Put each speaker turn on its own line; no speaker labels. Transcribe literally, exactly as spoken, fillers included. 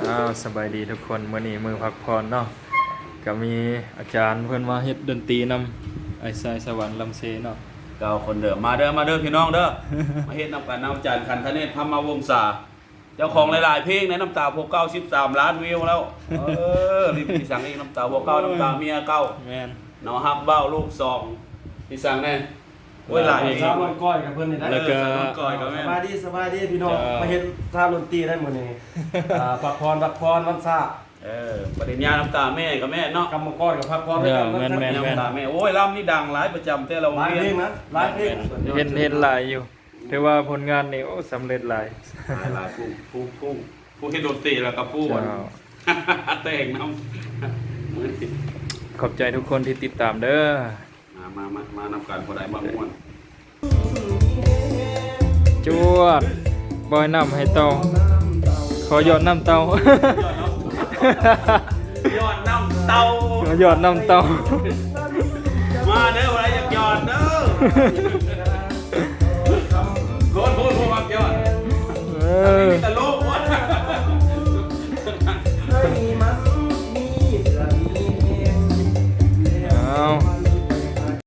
อ้าวสบายดีทุกคนมื้อนี้มือพักผ่อนเนาะก็มีอาจารย์เพิ่นมาเฮ็ดดนตรีนำไอ้สายสวรรค์ลำเซเนาะ
เก้าคนเด้อมาเด้อมาเด้อพี่น้องเด้อ มาเฮ็ดนำกันนำจานคันทะเนศพัมมาวงศาเจ้าของหลายๆเพลงในน้ำตาพวกเก้าสิบสามล้านวิวแล้วเออรีบพี่สั่งอีกน้ำตาพวกเก้าน้ำตาเมียเก้า
แม่น
เนาะฮักเบ้าลูกสองพี่สั่งแน่โอ้ยหลายเพลง
สาวน้อยก้อยกับเพิ่นนี่นะ
แล้วก็
เออสาวน้อยก้อยกับแม่
สบายดีสบายดีพี่น้อง
จ้าม
มาเฮ็ดท่าดนตรีได้หมดนี่อ่าพักพรพักพรวันซา
เออปริญญาน้ำตาแม่กับแม่เนาะ
กำมังกรกับพักพรด้วยกัน
แม่นแม่น
น้ำตาแม่โอ้ยลำนี่ดังหลายประจำแต่เรา
หลายเพลงนะหลายเพลง
เห็นเห็นหลายอยู่ถือว่าผลงานนี่โอ้สำเร็จหลาย
หลายผู้ผู้ผู้ผู้เฮ็ดดนตรีแล้วก็ผู้
เจ้า
แต่งน้ำมือนี่
ขอบใจทุกคนที่ติดตามเด้อ
มามามามานำการพอได้บางม่วน
จวดบอยน้ำให้เตาขอหยอดน้ำเตา
ยอดน้ำเตา
ขอหยอดน้ำเตา
มาเด้ออะไรอยากยอดเด้อโคตรพูดพูดมักยอด
เออ
มีแต่โลกวะ